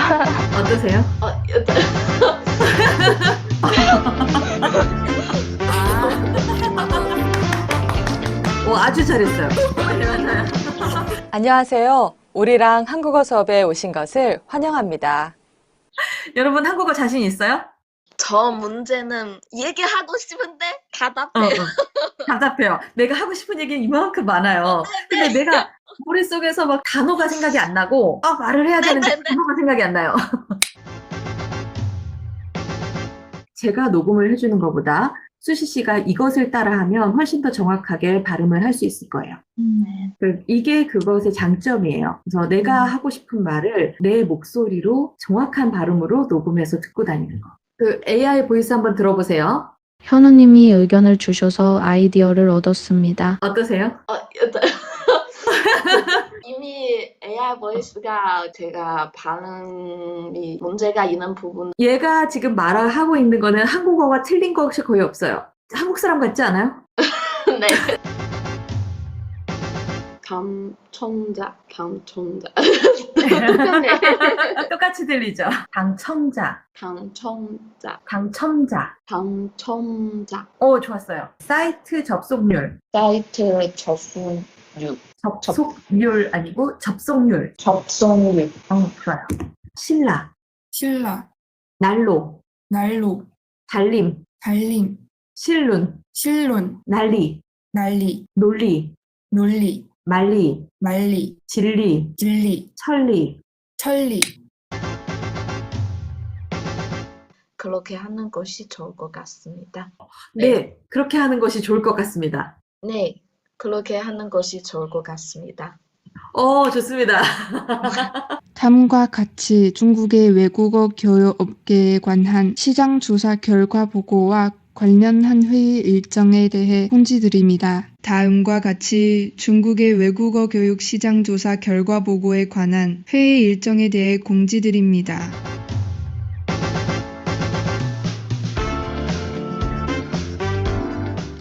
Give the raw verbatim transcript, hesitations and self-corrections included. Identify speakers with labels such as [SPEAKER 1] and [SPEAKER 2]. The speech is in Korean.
[SPEAKER 1] 어떠세요?
[SPEAKER 2] 어, 여자.
[SPEAKER 1] 오, 아주 잘했어요. 맞아요.
[SPEAKER 3] 안녕하세요. 우리랑 한국어 수업에 오신 것을 환영합니다.
[SPEAKER 1] 여러분, 한국어 자신 있어요?
[SPEAKER 2] 저 문제는 얘기하고 싶은데
[SPEAKER 1] 어,
[SPEAKER 2] 답답해요.
[SPEAKER 1] 어. 답답해요. 내가 하고 싶은 얘기는 이만큼 많아요. 근데 내가 머릿속에서 막 단어가 생각이 안 나고, 아, 말을 해야 되는데
[SPEAKER 2] 네네네.
[SPEAKER 1] 단어가 생각이 안 나요. 제가 녹음을 해주는 것보다 수시 씨가 이것을 따라하면 훨씬 더 정확하게 발음을 할 수 있을 거예요.
[SPEAKER 2] 네.
[SPEAKER 1] 그- 이게 그것의 장점이에요. 그래서 내가
[SPEAKER 2] 음.
[SPEAKER 1] 하고 싶은 말을 내 목소리로 정확한 발음으로 녹음해서 듣고 다니는 거. 그 에이아이 보이스 한번 들어보세요.
[SPEAKER 4] 현우님이 의견을 주셔서 아이디어를 얻었습니다.
[SPEAKER 1] 어떠세요?
[SPEAKER 2] 어, 여자. 이미 에이아이 보이스가 제가 발음이 문제가 있는 부분.
[SPEAKER 1] 얘가 지금 말하고 있는 거는 한국어가 틀린 것이 거의 없어요. 한국 사람 같지 않아요?
[SPEAKER 2] 네. 감청자, 감청자.
[SPEAKER 1] 똑같이 들리죠? 당첨자,
[SPEAKER 2] 당청자,
[SPEAKER 1] 당첨자.
[SPEAKER 2] 당청자.
[SPEAKER 1] 오, 좋았어요. 사이트 접속률.
[SPEAKER 2] 사이트 접속률,
[SPEAKER 1] 접속률 아니고 접속률.
[SPEAKER 2] 접속률.
[SPEAKER 1] 어, 좋아요. 신라,
[SPEAKER 5] 신라,
[SPEAKER 1] 난로,
[SPEAKER 5] 난로,
[SPEAKER 1] 달림,
[SPEAKER 5] 달림,
[SPEAKER 1] 실눈,
[SPEAKER 5] 실론,
[SPEAKER 1] 난리,
[SPEAKER 5] 난리,
[SPEAKER 1] 논리,
[SPEAKER 5] 논리,
[SPEAKER 1] 말리,
[SPEAKER 5] 말리,
[SPEAKER 1] 진리,
[SPEAKER 5] 진리,
[SPEAKER 1] 천리.
[SPEAKER 5] 천리.
[SPEAKER 2] 그렇게 하는 것이 좋을 것 같습니다.
[SPEAKER 1] 네, 그렇게 하는 것이 좋을 것 같습니다.
[SPEAKER 2] 네, 그렇게 하는 것이 좋을 것 같습니다.
[SPEAKER 1] 어, 좋습니다.
[SPEAKER 6] 다음과 같이 중국의 외국어 교육 업계에 관한 시장 조사 결과 보고와 관련한 회의 일정에 대해 공지드립니다. 다음과 같이 중국의 외국어 교육 시장 조사 결과 보고에 관한 회의 일정에 대해 공지드립니다.